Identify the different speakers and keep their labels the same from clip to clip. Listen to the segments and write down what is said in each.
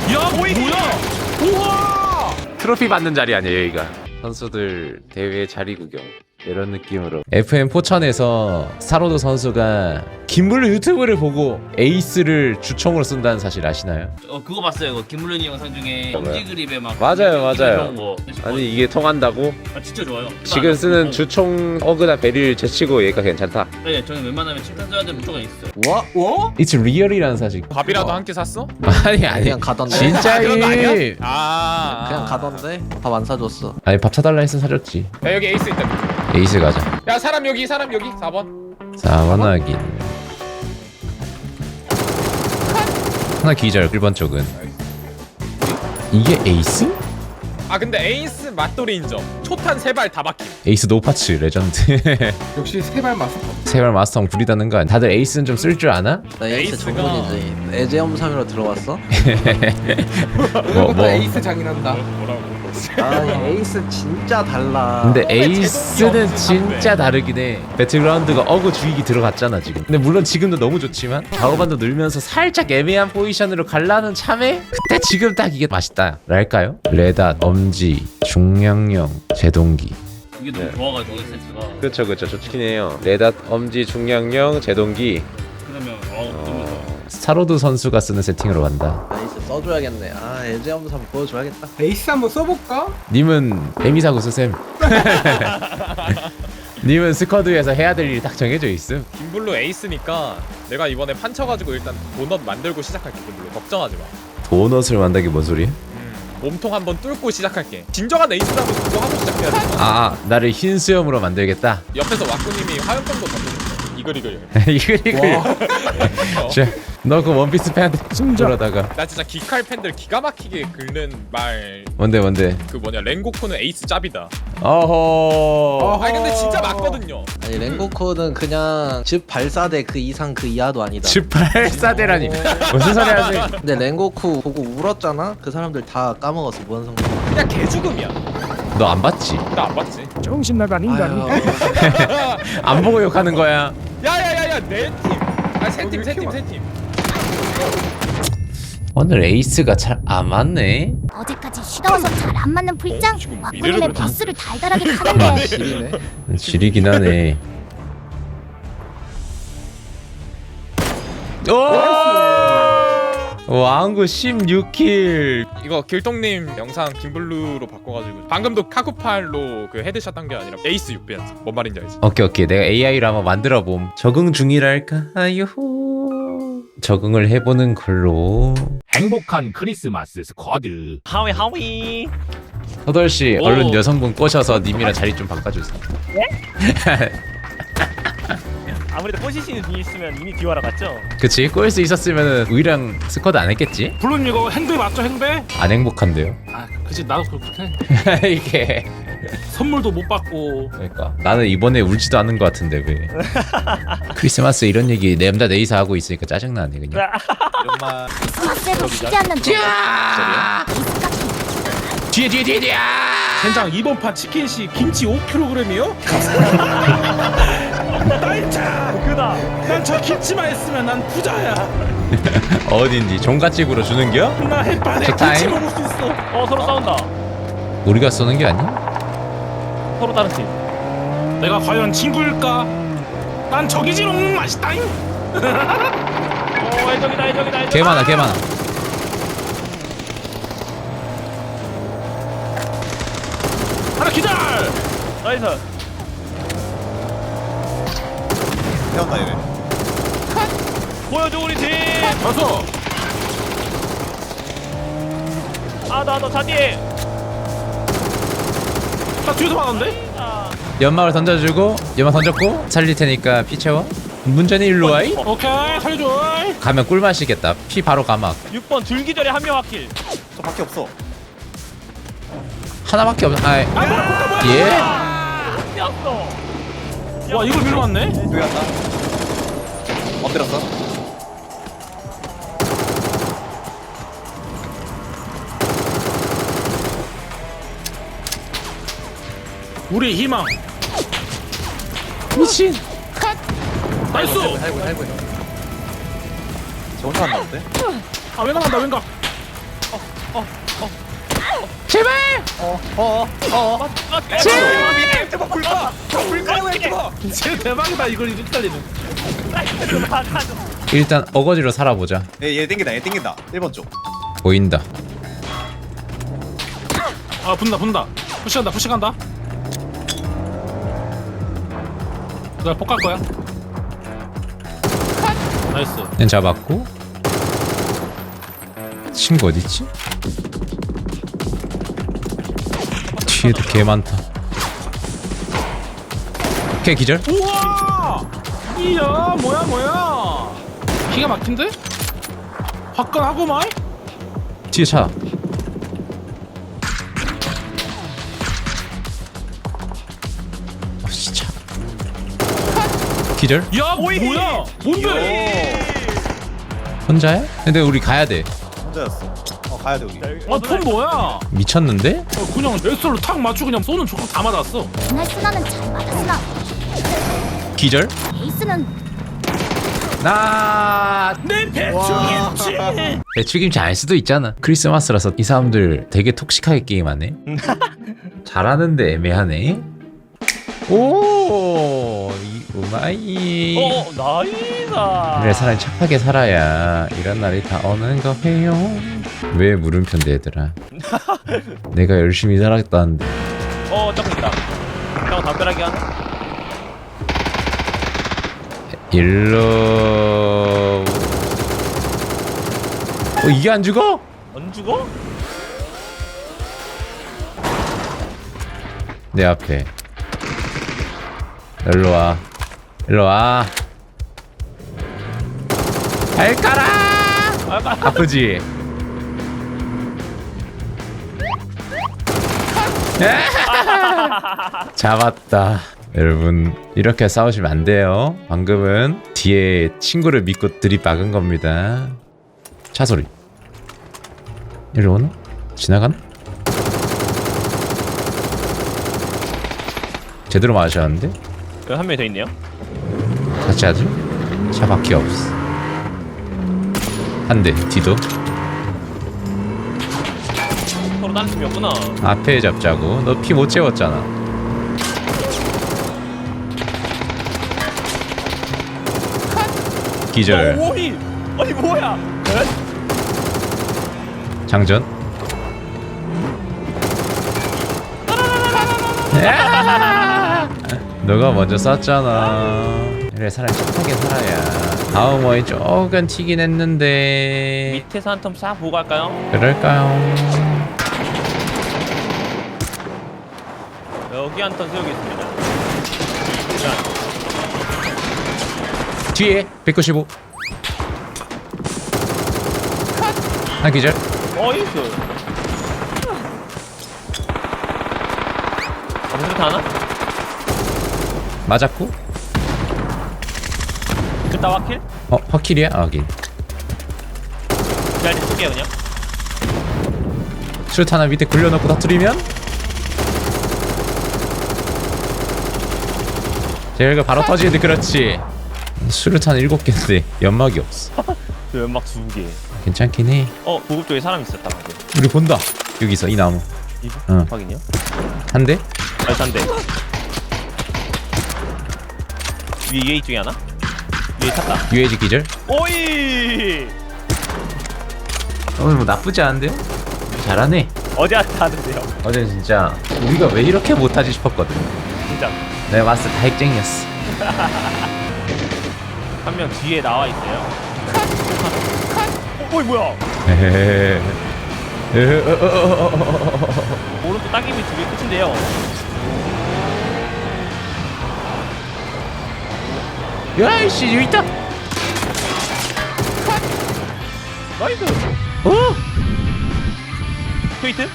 Speaker 1: 야 뭐야? 우와!
Speaker 2: 트로피 받는 자리 아니에요 여기가. 선수들 대회 자리 구경 이런 느낌으로 FM 포천에서 스타로드 선수가 김블루 유튜브를 보고 에이스를 주총으로 쓴다는 사실 아시나요?
Speaker 1: 그거 봤어요. 그 김물련이 영상 중에 엄지 그립에 막
Speaker 2: 맞아요.
Speaker 1: 이런 거.
Speaker 2: 아니 이게 통한다고?
Speaker 1: 아 진짜 좋아요.
Speaker 2: 지금 쓰는 주총 어그나 베리를 제치고 얘가 괜찮다.
Speaker 1: 네, 저는 웬만하면 칭찬 써야 되는 무조건 있어요.
Speaker 3: 와? 와?
Speaker 2: It's real이라는 사실.
Speaker 4: 밥이라도 한 끼 샀어?
Speaker 2: 아니
Speaker 3: 그냥 가던데.
Speaker 4: 그런 거 아니야?
Speaker 2: 진짜임.
Speaker 3: 그냥 가던데. 밥 안 사줬어.
Speaker 2: 아니 밥 사달라 했으면 사줬지.
Speaker 4: 야 여기 에이스 있다.
Speaker 2: 에이스 가자.
Speaker 4: 야 사람 여기 4번.
Speaker 2: 4번 확인. 하나 기절 1번 쪽은. 이게 에이스?
Speaker 4: 아 근데 에이스 맛돌이 인정. 초탄 3발 다 박힘.
Speaker 2: 에이스 노파츠 레전드.
Speaker 5: 역시 세발 마스터.
Speaker 2: 세발 마스터 부리다는 거 아니야? 다들 에이스는 좀 쓸 줄 아나?
Speaker 3: 나 에이스
Speaker 4: 에이스가-
Speaker 3: 전문이지. 애제엄삼으로 들어왔어?
Speaker 5: 이것도 에이스 장인한다.
Speaker 4: 뭐라고?
Speaker 3: 아니 에이스 진짜 달라.
Speaker 2: 근데 에이스는 진짜 다르긴 해. 배틀그라운드가 어그 주익이 들어갔잖아 지금. 근데 물론 지금도 너무 좋지만 좌우반도 늘면서 살짝 애매한 포지션으로 갈라는 참에 그때 지금 딱 이게 맛있다 랄까요? 레닷, 엄지, 중량형, 제동기.
Speaker 1: 이게 너무 좋아가지고 센스가.
Speaker 2: 그쵸 좋긴 해요. 레닷, 엄지, 중량형, 제동기.
Speaker 1: 그러면 너무 좋아.
Speaker 2: 스타로드 선수가 쓰는 세팅으로 간다.
Speaker 3: 에이스 써줘야겠네. 아 애제엄삼 보여줘야겠다.
Speaker 5: 에이스 한번 써볼까?
Speaker 2: 님은 에미사고 쓰셈. 님은 스쿼드에서 해야 될 일이 딱 정해져 있음.
Speaker 4: 김블루 에이스니까 내가 이번에 판쳐가지고 일단 도넛 만들고 시작할게. 김블루 걱정하지 마.
Speaker 2: 도넛을 만들기 뭔 소리야?
Speaker 4: 몸통 한번 뚫고 시작할게. 진정한 에이스라면 그거 하고 시작해야 돼.
Speaker 2: 나를 흰 수염으로 만들겠다.
Speaker 4: 옆에서 와꾸님이 화염병도 던져줬어. 이글.
Speaker 2: 이거. 너 그 원피스 팬한테 숨저러다가
Speaker 4: 나 진짜 기칼 팬들 기가 막히게 긁는 말.
Speaker 2: 뭔데?
Speaker 4: 그 뭐냐 랭고쿠는 에이스 짭이다.
Speaker 2: 어허.
Speaker 4: 아니 근데 진짜 맞거든요.
Speaker 3: 아니 랭고코는 그냥 즉 발사대 그 이상 그 이하도 아니다.
Speaker 2: 즈팔사대라니 무슨 소리 하지?
Speaker 3: 근데 랭고쿠 보고 울었잖아. 그 사람들 다 까먹었어 무한성공.
Speaker 4: 그냥 개죽음이야.
Speaker 2: 너 안 봤지?
Speaker 4: 나 안 봤지.
Speaker 6: 정신 나간 인간.
Speaker 2: 안 보고 욕하는 거야.
Speaker 4: 야야야야 내 팀. 세 팀.
Speaker 2: 오늘 에이스가 잘 안 맞네.
Speaker 7: 어제까지 쉬다 와서 잘 안 맞는 불장
Speaker 4: 미래를
Speaker 7: 왁구님의
Speaker 4: 그래.
Speaker 7: 버스를 달달하게 타는데
Speaker 3: 지리네.
Speaker 2: 지리긴 하네. 오! 왕구 16킬.
Speaker 4: 이거 길동님 영상 김블루로 바꿔가지고 방금도 카쿠팔로 그 헤드샷 한 게 아니라 에이스 6배였어. 뭔 말인지 알지?
Speaker 2: 오케이. 내가 AI로 한번 만들어 봄. 적응 중이랄까요? 적응을 해보는 걸로.
Speaker 6: 행복한 크리스마스 스쿼드.
Speaker 1: 하위.
Speaker 2: 서덜 씨,
Speaker 1: 오.
Speaker 2: 얼른 여성분 꼬셔서 님이랑 자리 좀 바꿔주세요.
Speaker 1: 아무래도 포지션이 뒤에 있으면 이미 뒤와라 갔죠.
Speaker 2: 그치? 꼬일 수 있었으면 우리랑 스쿼드 안 했겠지?
Speaker 6: 물론 이거 행배 맞죠 행배?
Speaker 2: 안 행복한데요?
Speaker 6: 아 그치 나도 그렇게 해.
Speaker 2: 이게
Speaker 6: 선물도 못 받고.
Speaker 2: 그러니까 나는 이번에 울지도 않는 것 같은데 왜? 크리스마스 이런 얘기 내 남자 내이사 하고 있으니까 짜증나네 그냥.
Speaker 7: 크리스마스에도 쉬지 않는 너
Speaker 2: 뒤에.
Speaker 6: 젠장 이번 판 치킨시 김치 5kg이요? 나이차.
Speaker 1: 그다.
Speaker 6: 난 저 김치만 있으면 난 부자야.
Speaker 2: 어딘지 종갓집으로 주는겨?
Speaker 6: 나 햇반에
Speaker 2: 좋다잉.
Speaker 6: 김치 먹을 수 있어.
Speaker 1: 서로 싸운다.
Speaker 2: 우리가 쏘는 게 아니?
Speaker 1: 서로 다른 팀.
Speaker 6: 내가 과연 친구일까? 난 저기지롱 맛있다잉.
Speaker 1: 해적이다.
Speaker 2: 개 많아.
Speaker 6: 하나 기절.
Speaker 1: 나이스.
Speaker 8: 태웠다 얘네.
Speaker 1: 보여줘 우리 팀.
Speaker 6: 가서.
Speaker 1: 나 자디에.
Speaker 6: 나 뒤에서 맞았는데?
Speaker 2: 연막을 던져주고 연막 던졌고 살릴 테니까 피 채워. 문전이 일로 와이?
Speaker 6: 오케이 살려줘.
Speaker 2: 가면 꿀맛이겠다. 피 바로 가막.
Speaker 1: 6번 줄기 전에 한 명 확킬.
Speaker 8: 저 밖에 없어.
Speaker 2: 하나밖에 없. 아, 예?
Speaker 1: 뛰었어.
Speaker 6: 와 이걸 밀러 왔네.
Speaker 8: 여기 갔다. 엎드렸어.
Speaker 6: 우리 희망.
Speaker 2: 미친.
Speaker 6: 나이스.
Speaker 8: 저 혼자 한다는데?
Speaker 6: 아 왼각 간다 왼각.
Speaker 2: 제발.
Speaker 8: 제발 불가. 불가 제발.
Speaker 6: 진짜 대박이다 이걸 이렇게 달리는.
Speaker 2: 일단 어거지로 살아보자.
Speaker 8: 얘 땡긴다. 얘 땡긴다. 1번 쪽.
Speaker 2: 보인다.
Speaker 6: 아 분다. 푸시간다. 나 폭갈 거야. 나이스.
Speaker 2: 는 잡았고. 친구 어딨지? 뒤에도 개 많다. 오케이 기절.
Speaker 6: 우와! 이야 뭐야? 기가 막힌데? 화끈하고 마이?
Speaker 2: 뒤에 차. 차. 기절.
Speaker 6: 야 뭐야? 뭔데?
Speaker 2: 혼자야? 근데 우리 가야 돼.
Speaker 8: 혼자였어. 가야 돼 우리.
Speaker 6: 아폰 뭐야?
Speaker 2: 미쳤는데?
Speaker 6: 그냥 엑설로 탁 맞추고 그냥 쏘는 조각 다 맞았어.
Speaker 7: 그날 순아는 잘 맞았으나
Speaker 2: 기절.
Speaker 7: 에이스는
Speaker 2: 나
Speaker 6: 내 배추김치.
Speaker 2: 배추김치 알 수도 있잖아. 크리스마스라서 이 사람들 되게 톡식하게 게임하네. 잘하는데 애매하네. 오, 이 우마이.
Speaker 1: 나이다.
Speaker 2: 그래 사람이 착하게 살아야 이런 날이 다 오는 거예요. 왜 물음표인데 얘들아? 내가 열심히 살았다는데.
Speaker 1: 딱 있다. 형 담벼락이 하나?
Speaker 2: 일로. 이게 안 죽어?
Speaker 1: 안 죽어?
Speaker 2: 내 앞에. 일로 와. 일로 와. 발가락. 아프지? 잡았다. 여러분 이렇게 싸우시면 안 돼요. 방금은 뒤에 친구를 믿고 들이박은 겁니다. 차 소리. 이리 오나? 지나가나? 제대로 맞으셨는데?
Speaker 1: 여기 한 명이 더 있네요.
Speaker 2: 같이 하지? 차 바퀴 없어. 한 대 뒤도.
Speaker 1: 서로 다른 팀이었구나.
Speaker 2: 앞에 잡자고. 너 피 못 채웠잖아. 기절.
Speaker 1: 오이! 아니 뭐야?
Speaker 2: 장전. 너가 먼저 쐈잖아. 그래 사람이 착하게 살아야. 다음 원이 조금 튀긴 했는데.
Speaker 1: 밑에서 한 텀 싹 보고 갈까요?
Speaker 2: 그럴까요?
Speaker 1: 여기 한 턴 세우겠습니다.
Speaker 2: 뒤에 195. 한 기절.
Speaker 1: 어이스. 무슨 하나?
Speaker 2: 맞았고.
Speaker 1: 그따 와킬?
Speaker 2: 확킬이야? 확인.
Speaker 1: 기다리 쓸게요 그냥.
Speaker 2: 술 하나 밑에 굴려놓고 터뜨리면 제가 바로 터지는데. 그렇지. 수류탄 7개인데 연막이 없어.
Speaker 1: 저 연막 2개.
Speaker 2: 괜찮긴 해.
Speaker 1: 보급 쪽에 사람 있었다 방금.
Speaker 2: 우리 본다. 여기서 이 나무.
Speaker 1: 이거?
Speaker 2: 응.
Speaker 1: 확인요?
Speaker 2: 한 대?
Speaker 1: 나이스 한 대. 위에 UAG 중에 하나? 위에 탔다.
Speaker 2: UAG 기절.
Speaker 1: 오이!
Speaker 2: 오늘 뭐 나쁘지 않은데요? 잘하네.
Speaker 1: 어디 하는데요?
Speaker 2: 어제 진짜 우리가 왜 이렇게 못하지 싶었거든.
Speaker 1: 진짜.
Speaker 2: 내가 봤을 때 다 핵쟁이였어.
Speaker 1: 한 명 뒤에 나와 있어요. 어이 뭐야?
Speaker 2: 에헤헤.
Speaker 1: 오른쪽 따개비 2개 끝인데요.
Speaker 2: 야이씨 여기 있다.
Speaker 1: 나이스. 트위트?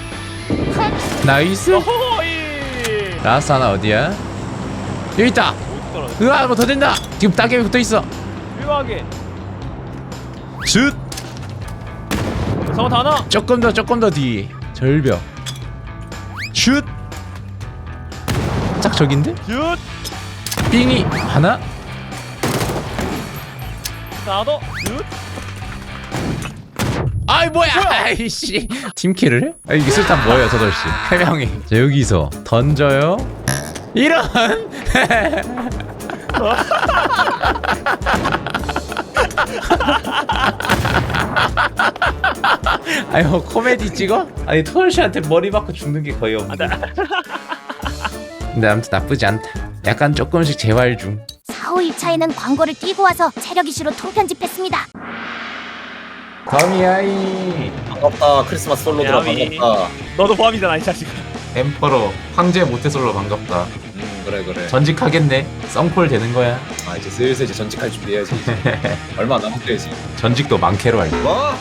Speaker 2: 나이스.
Speaker 1: 어호이!
Speaker 2: 라스 하나 어디야? 여기 있다.
Speaker 1: 어디 떨어져?
Speaker 2: 으아 뭐 더 된다. 지금 따개비 붙어있어.
Speaker 1: 유하게.
Speaker 2: 슛.
Speaker 1: 성원 하나.
Speaker 2: 조금 더 뒤. 절벽. 슛. 짝 저긴데?
Speaker 1: 슛.
Speaker 2: 삥이 하나.
Speaker 1: 하나 더. 슛.
Speaker 2: 아이 뭐야 아이씨 팀킬을 해? 아, 이게 술탄 뭐예요 저돌씨 3명이 자 여기서 던져요 이런 아니 뭐 코미디 찍어? 아니 토요씨한테 머리 맞고 죽는 게 거의 없는데 근데 아무튼 나쁘지 않다 약간 조금씩 재활 중
Speaker 7: 4, 5일차에는 광고를 띄고 와서 체력 이슈로 통편집했습니다.
Speaker 2: 더미아이
Speaker 8: 반갑다. 크리스마스 솔로들아
Speaker 1: 야미.
Speaker 8: 반갑다.
Speaker 1: 너도 포함이잖아 이 자식아.
Speaker 2: 엠퍼로 황제 모태솔로 반갑다
Speaker 8: 그래.
Speaker 2: 전직하겠네 썬콜 되는 거야
Speaker 8: 아 이제 슬슬 이제 전직할 준비해야지. 이제. 얼마 안 남았지.
Speaker 2: 전직도 많게로 할게
Speaker 8: 뭐?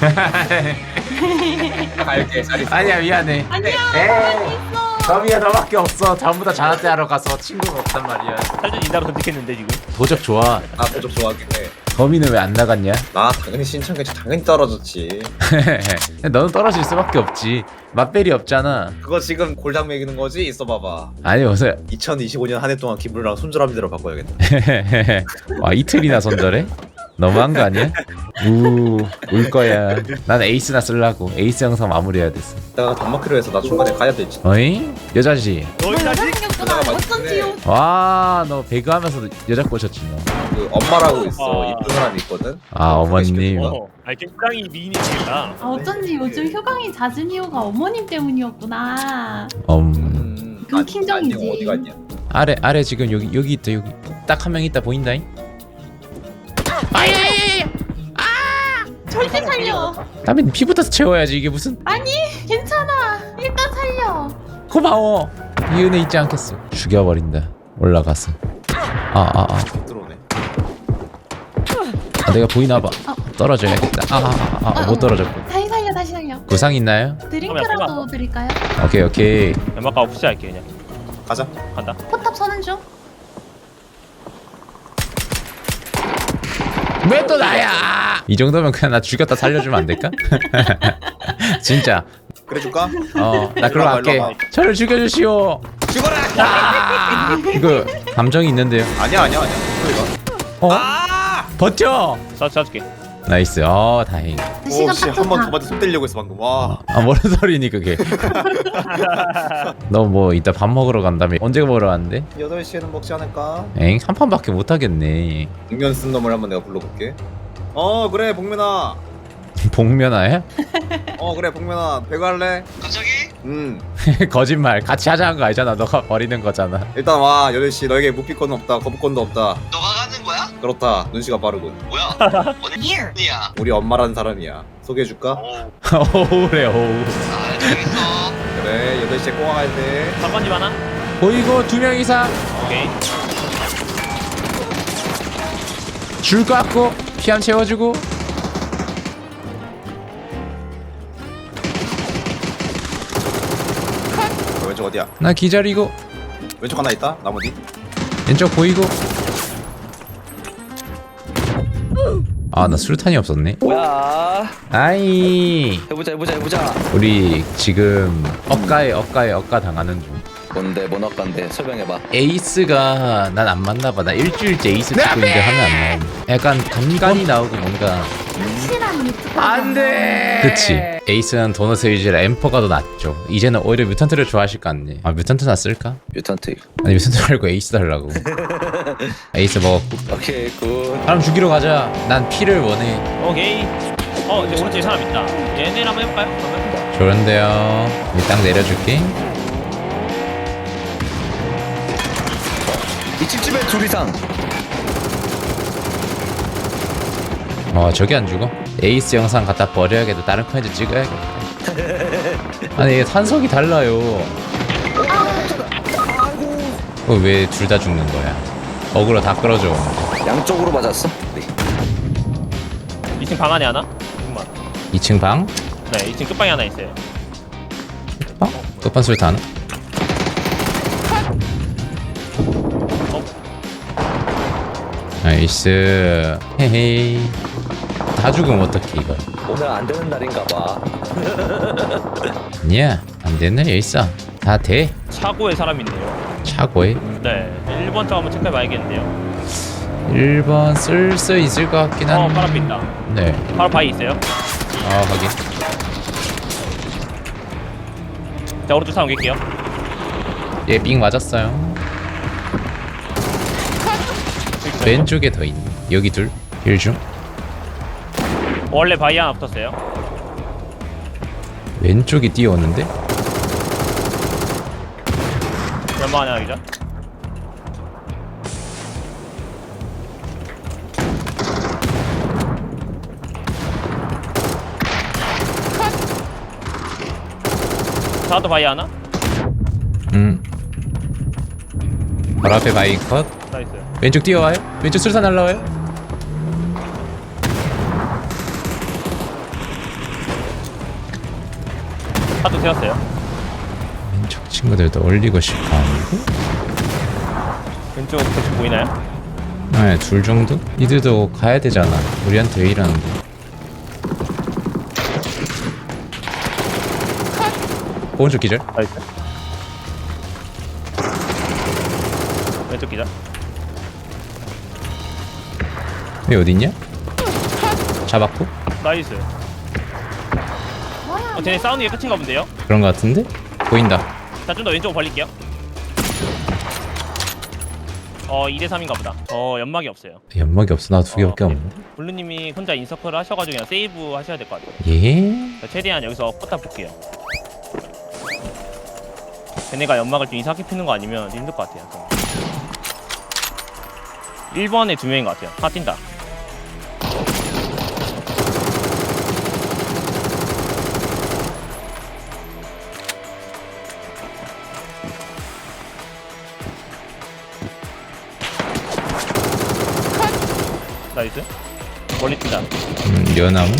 Speaker 8: 갈게. 잘 있어.
Speaker 2: 아니야 미안해
Speaker 7: 안녕.
Speaker 2: 더미야 너밖에 없어 전부 다 자나때 하러 가서 친구가 없단 말이야
Speaker 1: 살전 인다로 선택했는데 지금.
Speaker 2: 도적 좋아
Speaker 8: 나 도적 좋아하긴 해.
Speaker 2: 더미는 왜 안 나갔냐?
Speaker 8: 나 당연히 신청했지. 당연히 떨어졌지.
Speaker 2: 너는 떨어질 수밖에 없지 맛벨이 없잖아
Speaker 8: 그거 지금 골당 매기는 거지? 있어봐봐.
Speaker 2: 아니 어서
Speaker 8: 2025년 한 해 동안 김블루랑 손절함대로 바꿔야겠다.
Speaker 2: 와 이틀이나 손절해? 너무한 거 아니야? 울 거야 난 에이스나 쓰려고 에이스 영상 마무리해야 됐어
Speaker 8: 내가 단마크로 해서 나 중간에 가야 되지.
Speaker 2: 어이? 여자지?
Speaker 1: 너 이 자식.
Speaker 8: 누나가 맞네.
Speaker 2: 와 너 배그 하면서 여자 꼬셨지 너
Speaker 8: 그 엄마라고 있어.
Speaker 1: 아.
Speaker 8: 이쁜 사람이 있거든.
Speaker 2: 아 어머님
Speaker 1: 아니 굉장히 미인이시다.
Speaker 9: 아, 어쩐지 요즘 휴강이 잦은 이유가 어머님 때문이었구나. 그 킹정이지.
Speaker 8: 안녕 어디 갔냐?
Speaker 2: 아래 지금 여기 있다 여기 딱 한 명 있다 보인다잉?
Speaker 9: 절대 살려.
Speaker 2: 다음엔 피부터 채워야지 이게 무슨
Speaker 9: 아니, 괜찮아. 일단 살려.
Speaker 2: 고마워 이 은혜 잊지 않겠어 죽여버린다 올라가서
Speaker 8: 들어오네.
Speaker 2: 내가 보이나봐 떨어져야겠다 못 떨어졌고
Speaker 9: 다시 살려, 다시 살려.
Speaker 2: 구상 있나요?
Speaker 9: 드링크라도 드릴까요?
Speaker 2: 오케이
Speaker 1: 연막가 없이 할게 그냥.
Speaker 8: 가자.
Speaker 1: 간다.
Speaker 9: 포탑 서는 중.
Speaker 2: 왜 또 나야 이 정도면 그냥 나 죽였다 살려주면 안 될까? 진짜
Speaker 8: 그래 줄까?
Speaker 2: 나 그럼 할게
Speaker 8: 일로 와봐.
Speaker 2: 저를 죽여주시오
Speaker 8: 죽어라.
Speaker 2: 이거 감정이 있는데요
Speaker 8: 아니야. 그래.
Speaker 2: 버텨
Speaker 1: 쏴줄게.
Speaker 2: 나이스 다행
Speaker 9: 그 시간
Speaker 8: 오씨
Speaker 9: 딱
Speaker 8: 한 번
Speaker 9: 좋다.
Speaker 8: 저한테 손 떼려고 했어 방금. 와.
Speaker 2: 뭔 소리니 그게 너 뭐 이따 밥 먹으러 간다며 언제 먹으러 가는데?
Speaker 8: 8시에는 먹지 않을까?
Speaker 2: 엥? 한 판밖에 못 하겠네
Speaker 8: 복면 쓴 놈을 한번 내가 불러볼게. 그래 복면아.
Speaker 2: 복면아야?
Speaker 8: 그래 복면아 배그 할래? 갑자기?
Speaker 2: 거짓말 같이 하자는 거 아니잖아 너가 버리는 거잖아
Speaker 8: 일단 와 8시 너에게 무피권은 없다 거부권도 없다. 너가 가는 거야? 그렇다 눈치가 빠르군. 뭐야? 어디야? 우리 엄마라는 사람이야. 소개해줄까?
Speaker 2: 오래 오우
Speaker 8: 그래 8시에 꼬아 갈때
Speaker 1: 상관집 하나?
Speaker 2: 보이고 2명 이상
Speaker 1: 오케이.
Speaker 2: 줄 거 같고 피함 채워주고
Speaker 8: 왼쪽 어디야?
Speaker 2: 나 기다리고
Speaker 8: 왼쪽 하나 있다 나머지.
Speaker 2: 왼쪽 보이고 나 술탄이 없었네
Speaker 3: 뭐야?
Speaker 2: 아이
Speaker 3: 해보자.
Speaker 2: 우리 지금 억가 당하는 중
Speaker 3: 뭔 억간데 설명해봐.
Speaker 2: 에이스가 난 안 맞나봐 나 일주일째 에이스 찍고 있는데 하면 안 나오네 약간 간간이 나오고 뭔가
Speaker 9: 확실한 유튜버.
Speaker 2: 안돼 그치 에이스는 도넛 위주라 엠퍼가 더 낫죠 이제는 오히려 뮤턴트를 좋아하실 것 같네 뮤턴트나 쓸까?
Speaker 3: 뮤턴트.
Speaker 2: 아니 뮤턴트 말고 에이스 달라고 에이스 먹었고
Speaker 3: 오케이 굿.
Speaker 2: 사람 죽이러 가자 난 피를 원해
Speaker 1: 오케이. 이제 오른쪽에 사람 있다. 얘네 한번 해볼까요? 그러면?
Speaker 2: 좋은데요 여기 딱 내려줄게
Speaker 3: 2층 집에 둘 이상.
Speaker 2: 저기 안 죽어? 에이스 영상 갖다 버려야겠다 다른 컨텐츠 찍어야겠다 아니 이게 탄성이 달라요 왜 둘 다 죽는 거야 어그로 다 끌어줘
Speaker 3: 양쪽으로 맞았어.
Speaker 1: 2층 방 안에 하나? 잠깐만.
Speaker 2: 2층 방?
Speaker 1: 네, 2층 끝방에 하나 있어요.
Speaker 2: 끝판 술탄 나이스 헤헤이 다 죽으면 어떡해 이거
Speaker 3: 오늘 안 되는 날인가 봐.
Speaker 2: 아니야 안 되는 날이 있어 다 돼
Speaker 1: 차고에 사람 있네요.
Speaker 2: 차고에
Speaker 1: 네, 1번 차 한번 체크해봐야겠는데요.
Speaker 2: 1번 쓸 수 있을 것 같긴 한데
Speaker 1: 바로 앞에 있다.
Speaker 2: 네
Speaker 1: 바로 바위 있어요.
Speaker 2: 확인.
Speaker 1: 자 오른쪽 차 옮길게요.
Speaker 2: 얘 삥 맞았어요. 왼쪽에 더 있네. 여기 둘. 힐 중.
Speaker 1: 원래 바위 하나 붙었어요.
Speaker 2: 왼쪽이 뛰어오는데?
Speaker 1: 연막 하나 여기죠. 다도 바위 하나?
Speaker 2: 바로 앞에 바이 컷.
Speaker 1: 나이스.
Speaker 2: 왼쪽 뛰어와요. 왼쪽 수류탄 날라와요.
Speaker 1: 다도 세웠어요.
Speaker 2: 왼쪽 친구들도 올리고 싶어.
Speaker 1: 왼쪽 대충 보이나요?
Speaker 2: 네, 둘 정도? 이들도 가야 되잖아. 우리한테 왜 이러는데? 오른쪽 기절.
Speaker 1: 나이스. 왼쪽 기자.
Speaker 2: 여기 어딨냐? 잡았고?
Speaker 1: 나이스. 쟤네 싸우는 게 끝인가 본데요?
Speaker 2: 그런 거 같은데? 보인다.
Speaker 1: 자, 좀 더 왼쪽으로 벌릴게요. 2대3인가 보다. 연막이 없어요.
Speaker 2: 연막이 없어. 나 두 개밖에 없는데.
Speaker 1: 블루님이 혼자 인서클 하셔가지고 그냥 세이브 하셔야 될 것 같아요.
Speaker 2: 예?
Speaker 1: 자, 최대한 여기서 뻗다 볼게요. 걔네가 연막을 좀 이상하게 피는 거 아니면 힘들 것 같아요. 1번에 2명인 것 같아요. 하나 뛴다. 나이스. 멀리 뛴다.
Speaker 2: 연나무.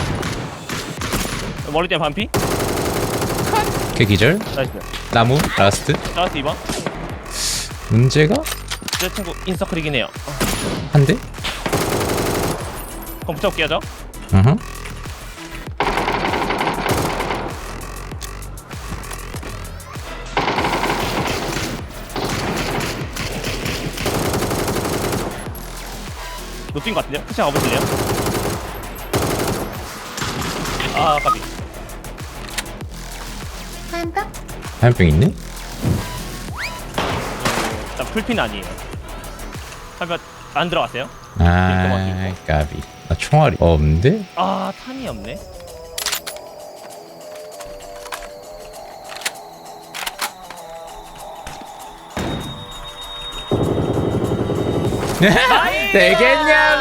Speaker 1: 머리 때문에 반피?
Speaker 2: 걔 기절.
Speaker 1: 나이스.
Speaker 2: 나무. 라스트.
Speaker 1: 나이스 2번.
Speaker 2: 문제가?
Speaker 1: 제 친구 인서클이긴 해요.
Speaker 2: 한 대?
Speaker 1: 그럼 붙여볼게요 저.
Speaker 2: 어허.
Speaker 1: 높인 것 같은데요? 혹시 가보실래요? 아 까비.
Speaker 9: 한다?
Speaker 2: 화염병 있네?
Speaker 1: 일단 풀핀 아니에요. 하면 안 들어갔어요?
Speaker 2: 아, 까비. 나 총알이 없는데?
Speaker 1: 아 탄이 없네.
Speaker 2: 되겠냐고!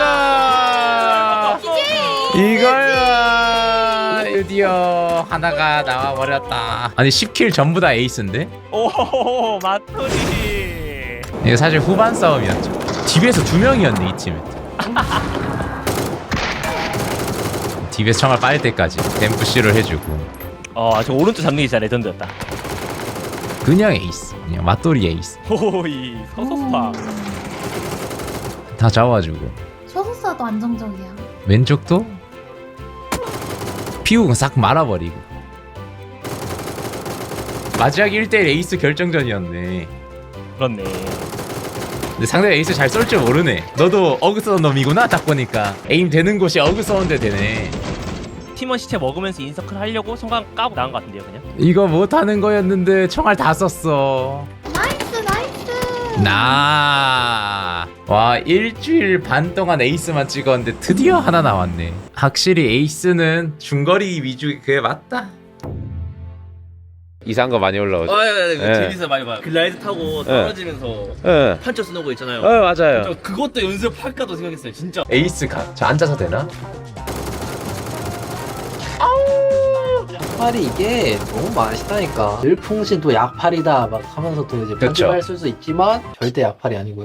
Speaker 2: 이걸 봐! 드디어 하나가 나와버렸다. 아니 10킬 전부 다 에이스인데?
Speaker 1: 오 마토리.
Speaker 2: 이거 사실 후반 싸움이었죠. 딥에서 2명이었네 이 팀에. 딥에서 총알 빠질 때까지 댐프시를 해주고.
Speaker 1: 저 오른쪽 잡는 게 진짜 레전드였다.
Speaker 2: 그냥 에이스. 그냥 맞돌이 에이스.
Speaker 1: 호이 서서스파.
Speaker 2: 다 잡아주고.
Speaker 9: 소속사도 안정적이야.
Speaker 2: 왼쪽도 피우고 싹 말아버리고. 마지막 1대1 에이스 결정전이었네.
Speaker 1: 그렇네.
Speaker 2: 근데 상대가 에이스 잘 쏠 줄 모르네. 너도 어그 쏘는 놈이구나 딱 보니까. 에임 되는 곳이 어그 쏘는데 되네.
Speaker 1: 팀원 시체 먹으면서 인서클 하려고 성광 까고 나온 것 같은데요 그냥?
Speaker 2: 이거 못하는 거였는데 총알 다 썼어.
Speaker 9: 나이스 나이스.
Speaker 2: 와 일주일 반 동안 에이스만 찍었는데 드디어 하나 나왔네. 확실히 에이스는 중거리 위주 그게 맞다. 이상한 거 많이 올라오죠. 예.
Speaker 3: 재밌어 많이 봐요.
Speaker 1: 글라이드 타고
Speaker 2: 떨어지면서
Speaker 1: 판처 쓰는 거 있잖아요.
Speaker 2: 맞아요.
Speaker 1: 그것도 연습할까도 생각했어요 진짜.
Speaker 2: 에이스 가. 저 앉아서 되나?
Speaker 3: 약팔이 이게 너무 맛있다니까. 늘풍신 또 약팔이다 막 하면서 또 이제 편집할 수 있지만 절대 약팔이 아니고요.